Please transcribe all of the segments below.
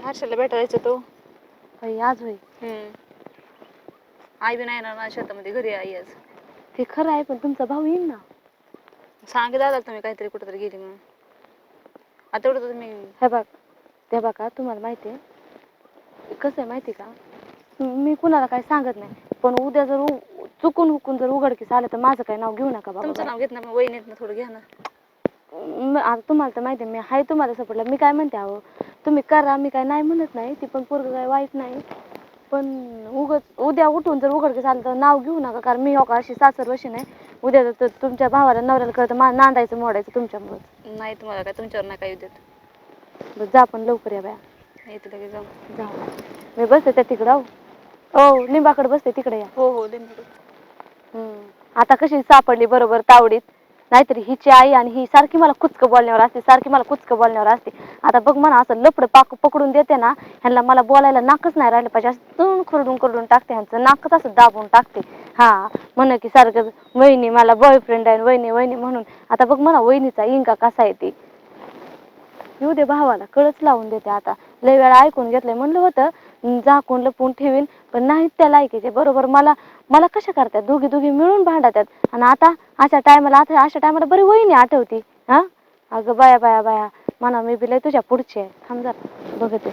हर्षलला भेटायचं तो बाई आज होय. आई बी नाही ना शेतामध्ये घरी आई आज. ते खरं आहे पण तुमचा भाऊ येईल ना. सांगे दादा तुम्ही काहीतरी कुठेतरी गेली म्हणून. आता एवढं तुम्ही हे बघ ते बघा तुम्हाला माहिती आहे कसं आहे माहिती का मी कुणाला काही सांगत नाही पण उद्या जर चुकून हुकून जर उघडकीस आलं तर माझं काही नाव घेऊ नका बाबा. तुमचं नाव घेत ना वहिनीत ना थोडं घ्या ना. आता तुम्हाला तर माहिती आहे मी हाय तुम्हाला सपोर्टला मी काय म्हणते अहो तुम्ही करा मी काय नाही म्हणत नाही ती पण पोरगं काय वाईट नाही पण उद्या उठून जर उघडकीस आलं तर नाव घेऊ नका कारण मी हो का अशी सासर वशी नाही उद्या जर तुमच्या भावाला नवऱ्याला कळतं नांदायचं मोडायचं तुमच्यामुळं. नाही तुम्हाला काय तुमच्यावर नाही काय देत. जा पण लवकर या बाया. येते लगेच जाऊ. जा मी बसते त्या तिकडं हो लिंबाकडे बसते तिकडे या. हो लिंबाकडे. आता कशी सापडली बरोबर तावडीत नाहीतरी हिची आई आणि ही सारखी मला कुचकं बोलण्यावर असते आता बघ म्हणा असं लपड पकडून देते ना ह्यांना मला बोलायला नाकच नाही राहिलं पाहिजे असं तून खरडून टाकते ह्यांचं नाकच असं दाबून टाकते. हा म्हण की सारखं वहिनी मला बॉयफ्रेंड आहे वहिनी म्हणून आता बघ म्हणा वहिनीचा इंगा कसा आहे ते येऊ दे भावाला कळच लावून देते आता लय वेळा ऐकून घेतलंय म्हणलं होतं झाकून लपून ठेवीन पण नाहीत त्या लायकीचे बरोबर मला कशा करतात दोघी मिळून भांडतात आणि आता अशा टायमाला बरी वहिनी आठवती. हा अगं बाया म्हणा मी बी लय तुझ्या पुढची आहे थांब जरा बघते.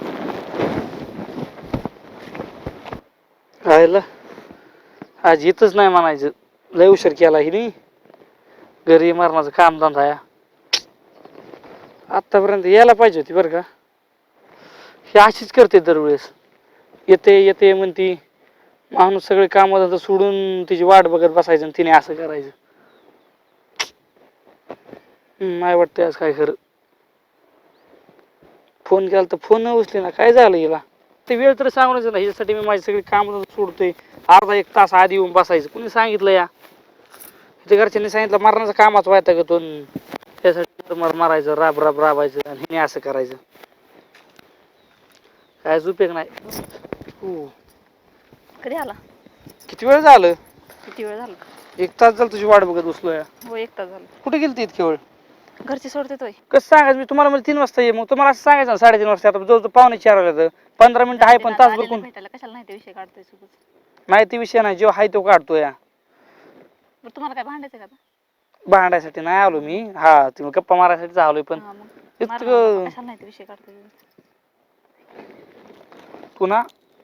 राहिलं आज इथंच नाही म्हणायचं लय उशीर केला हिने घरी मरणाचं काम धंदा या आतापर्यंत यायला पाहिजे होती बरं का. ही अशीच करते दरवेळेस येते म्हणती माणूस सगळे काम धंदा सोडून तिची वाट बघत बसायचं आणि तिने असं करायचं. नाही वाटतं आज काय खरं. फोन केला तर फोन न उचले ना काय झालं हिला ते वेळ तर सांगूनच ना ह्याच्यासाठी मी माझी सगळी काम सोडतोय अर्धा एक तास आधी येऊन बसायचं कुणी सांगितलं या त्या घरच्यांनी सांगितलं मरणाचं कामाच व्हायचं का तो त्यासाठी मारायचं राबायचं आणि हिने असं करायचं कायच उपयोग नाही. कधी आला? किती वेळ झालं? किती वेळ झाला? 1 तास झालं तुझी वाट बघत बसलो या. हो 1 तास झाला. कुठे गेलती इतकी वेळ? घरची सोडते तोय. कसं सांगायचं मी तुम्हाला म्हणजे 3 वाजता ये मग तुम्हाला असं सांगायचं 3:30 वाजता आता जवळ 3:45 वाजले 15 मिनिटं आहे पण तासभर कोण भेटायला कशाला नाही ते विषय काढतोय सोबत नाही ते विषय नाही जेव्हा आहे तो काढतो या. तुम्हाला काय भांडायचं का आता? भांडायसाठी नाही आलो मी हा तुम्ही गप्पा मारायसाठी आलोय पण इतकं कशाला नाही ते विषय काढतोय पुन्हा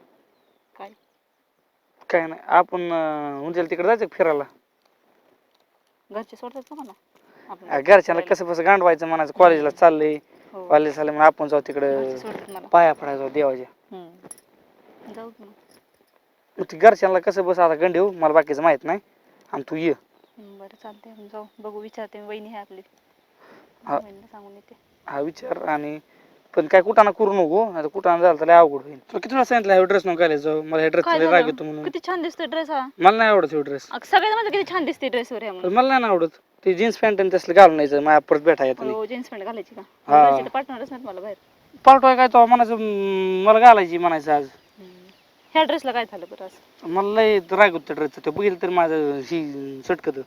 काय नाही आपण उंचेल तिकडे जायचं फिरायला. घरचे सोडतात तुम्हाला? घरच्यांना कसं गांडवायचं म्हणायचं कॉलेजला चाललंय कॉलेज चाललंय म्हणून आपण जाऊ तिकडे पाया पडायला जाऊ देवाच्या. जाऊ मग ते घरच्यांना कसं बस आता गंडीव मला बाकीचं माहित नाही आणि तू ये. बरं चालतंय जाऊ बघू विचारते वहिनी आहे आपली सांगून येते. हा विचार आणि पण काय कुठाना करू नको आता कुठाना झालं तर अवघड होईल. तुला किती वेळा सांगितलं ड्रेस नको घालायला जाऊ मला ड्रेस राग येतो म्हणून. किती छान दिसतोय ड्रेस हा. मला नाही आवडत ड्रेस. सगळ्यात म्हणजे किती छान दिसते ड्रेस वर मला नाही आवडत ते जीन्स पॅन्ट आणि तसलं घालून यायचं माझ्या परत भेटा येत नाही. जीन्स पॅन्ट घालायची का? पार्टनरच नाही मला बाहेर पाठवाय काय तो म्हणायचं मला घालायची म्हणायचं आज. ह्या ड्रेसला काय झालं बरं असं? मला लय राग होतं ड्रेसचं ते बघितलं तर माझं ही चटकत.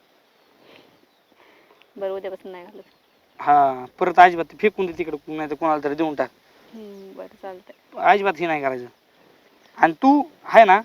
बरं उद्यापासून नाही घालत. हा परत अजिबात फेकून दे तिकडे नाही तर कोणाला तरी देऊन टाक. बरं चालतंय. अजिबात हे नाही करायचं. आणि तू आहे ना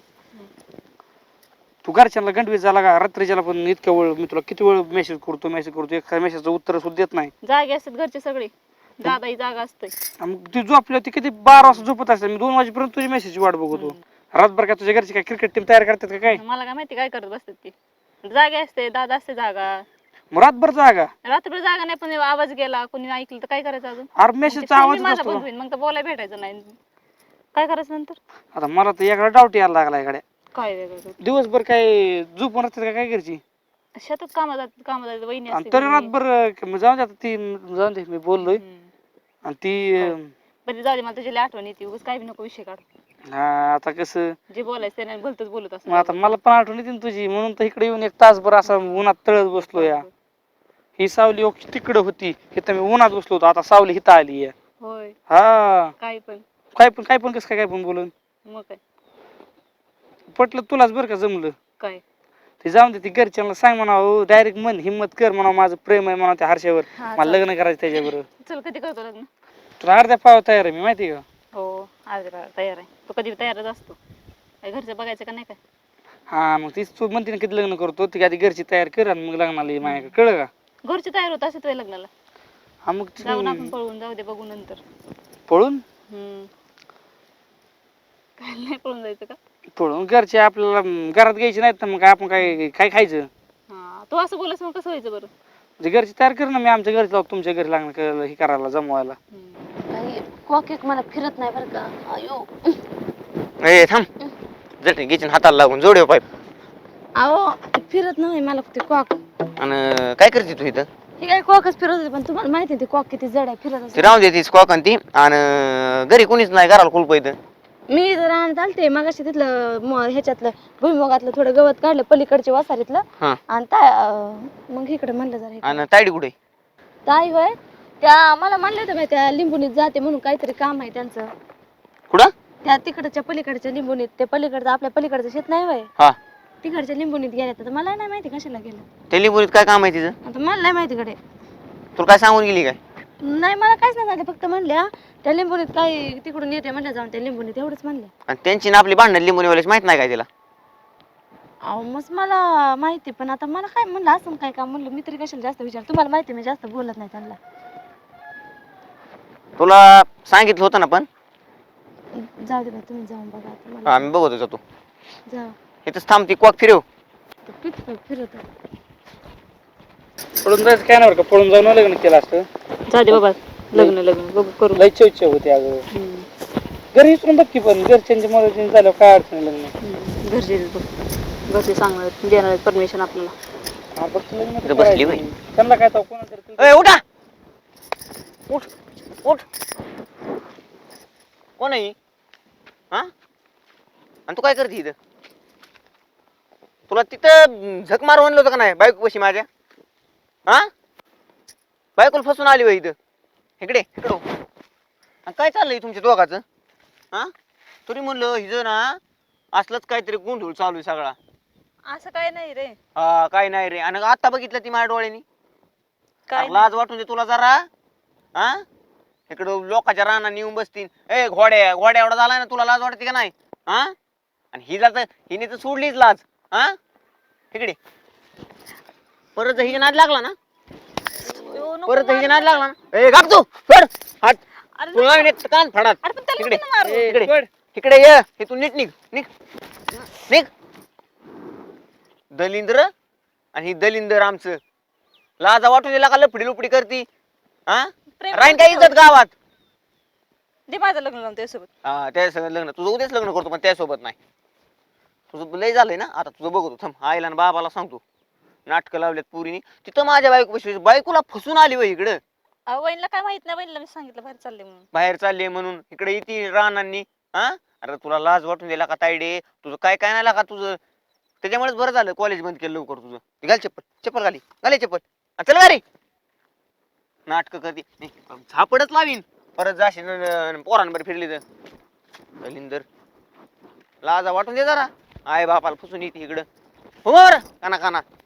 तू घरच्यांना गंडवीत झाला का रात्रीच्याला पण इतक्या वेळ मी तुला किती वेळ मेसेज करतो एका मेसेजचं उत्तर सुद्धा देत नाही. जागे असतात घरचे सगळे दादाही जागा असते. मग ती झोपली होती किती 12 वाजता झोपत असते मी 2 वाजेपर्यंत तुझी मेसेज वाट बघतो. रातभर काय तुझ्या घरची काय क्रिकेट टीम तयार करतात का काय? मला काय माहिती काय करत बसतात ती. जागे असते दादा असते जागा. मग रातभर जागा रात्रभर जागा नाही पण आवाज गेला कोणी ऐकलं तर काय करायचं अजून? अरे मेसेजचा आवाज असतो मग तर बोलायला भेटायचं नाही काय करायचं नंतर? आता मला तर याकडे डाऊट यायला लागला इकडे काय वेगळं दिवसभर काय झोपून असतात का काय करची? शेतात कामाला जात वहिनी असते तरी रातभर जाऊन दे आता ती जाऊन दे मी बोललोय आणि ती बरं जाऊ दे मला तुझी आठवण येते उगाच काय बी नको विषय काढ. हा आता कसं जे बोलायचं त्याने भलतच बोलत असं. आता मला पण आठवण येते तुझी म्हणून तर इकडे येऊन 1 तासभर असा उन्हात तळत बसलो या. ही सावली तिकडे होती इथं मी उन्हात बसलो होतो आता सावली इथं आली आहे. होय हा काय पण कसं काय पण बोलून मग काय पटलं तुलाच बरं का जमलं काय ते जाऊन दे ती घरच्यांना सांग म्हणावं डायरेक्ट मन हिम्मत कर म्हणावं माझं प्रेम आहे म्हणा त्या हर्षावर मला लग्न करायचं त्याच्याबरोबर. चल कधी करतो लग्न? तुला अर्ध्या पाव तयार आहे मी माहिती का? हो अरे बाबा तयार आहे. तो कधी तयारच असतो. काय घरचं बघायचं का नाही काय? हा मग तीच तू म्हणते ना किती लग्न करतो ती आधी घरची तयार कर आणि मग लग्नाला ये माझ्याकडे, कळलं का? घरचे तयार होत असे तुझ्या लग्नाला. हा मग जाऊन आपण पळवून जाऊ दे बघू नंतर. पळून काय नाही पळून जायचं का? पळून घरचे आपल्याला घरात घ्यायचे नाहीत तर मग आपण काय काय खायचं? हा तू असं बोलस मग कसं व्हायचं बरं? म्हणजे घरची तयार कर ना, मी आमच्या घरी जाऊ तुमच्या घरी लग्न हे करायला जमवायला. काही कॉक एक मला फिरत नाही बरं का. अयो ए थांब जट किचन हाताला लागून जोडव पाईप. अहो फिरत नाही मला ते कॉक. आणि काय करते तू इथं? हे काय कॉकच फिरत होते पण तुम्हाला माहिती आहे ते कॉक किती जड आहे फिरत ती असते. राहून देतीस कॉक आणि ती आणि घरी कोणीच नाही घराला कुलप इथं. मी जर आणत आलते मग अशी तिथलं ह्याच्यातलं भुईमुगातलं थोडं गवत काढलं पलीकडच्या वासारीतलं हा आणि मग इकडे म्हणलं जरा आणि तायडी कुठे? ताई होय त्या मला म्हणलं होतं त्या लिंबुनीत जाते म्हणून काहीतरी काम आहे त्यांचं. कुठं? त्या तिकडच्या पलीकडच्या लिंबुनीत ते पलीकडचं आपल्या पलीकडचं शेत नाही होय हा तिकडच्या लिंबुनीत गेल्या तर मला नाही माहिती कशाला गेलं. टेलिफोनीत काय काम आहे तिचं? आता मला नाही माहिती कडे. तुला काय सांगून गेली काय? नाही मला काहीच नाही झालं फक्त म्हणल्या त्या लिंबुनीत काही तिकडून येते म्हणल्या जाऊन त्या लिंबुनीत एवढंच म्हणलं. आणि त्यांची ना आपली भांडण लिंबूनीवाल्याची माहित नाही काय तिला? अहो मग मला माहिती पण आता मला काय म्हणलं असं काय काम म्हणलं मी तरी कशाला जास्त विचार. तुम्हाला माहिती मी जास्त बोलत नाही त्यांना. तुला सांगितलं होतं ना पण. जाऊ दे बाई तुम्ही जाऊन बघा आता मला. आम्ही बघत होतो तू जा इथंच थांब ती कॉक फिरव. फिरत पळून जायचं काय नाही बरं का, पळून जाऊन लग्न केलं असतं. जाऊ दे बाबा लग्न बघू करू. लय इच्छा होती अगं. घरी विसरून बघ की पण घरच्यांच्या मदतीने झालं काय अडचण नाही लग्न. घरचे बघ घरचे सांगणार देणार परमिशन आपल्याला. हा फक्त लग्न तर इथं बसली करायचं. बाई. त्यांना काय तर कोणाला ए उठा उठ उठ. कोण आहे? हा आणि तू काय करते इथं? तुला तिथं झक मार म्हणलं होतं का नाही बायको कशी माझ्या? हा बायकोला फसून आली बाई इथं. इकडे इकडं आणि काय चाललंय तुमच्या दोघाचं? हा तरी म्हणलं हिजं ना असलंच काहीतरी गोंधळ चालू आहे सगळा. असं काय नाही रे. हा काय नाही रे. आणि आता बघितलं ती माझ्या डोळ्यानी. काय लाज वाटून दे तुला जरा. हा इकडं लोकांच्या रानात येऊन बसतील. ए घोड्या घोड्या एवढा झालाय ना तुला लाज वाटते का नाही? हा आणि हिने तर सोडलीच लाज. हा इकडे परत जर हिच्या नाद लागला ना परत जर हिच्या नाद लागला ना ए गाप तू फड हात तुला एक कान फाडात. इकडे इकडे इकडे ये हे तू नीट निघ निघ निघ. दलिंद्र आणि ही दलिंदर आमचं लाजा वाटून दिला का लपडी लुपडी करती? हा राहीन काय इज्जत गावात? दे माझं लग्न लावून त्यासोबत. हा त्यासोबत लग्न तुझं उद्याच लग्न करतो पण त्यासोबत नाही. तुझं लय झालंय ना आता तुझं बघतो थांब आईला आणि बाबाला सांगतो. नाटकं लावल्यात पुरीनी तिथं माझ्या बायकोला फसून आली वय इकडं. वहिनीला काय माहित नाही. वहिनीला मी सांगितलं बाहेर चालले म्हणून. बाहेर चालले म्हणून इकडे येते रानांनी. हा अरे तुला लाज वाटून दिला का तायडे? तुझं काय काय नाही का तुझं? त्याच्यामुळेच बरं झालं कॉलेज बंद केलं लवकर तुझं. घाल चप्पल चप्पल घाले चप्पल चल गाडी. नाटक करते झापडच लावीन परत जाशील पोरांबर फिरली तर. दलिंदर लाजा वाटून दे जरा. आय बापाला फसून येते इकडं. हो काना काना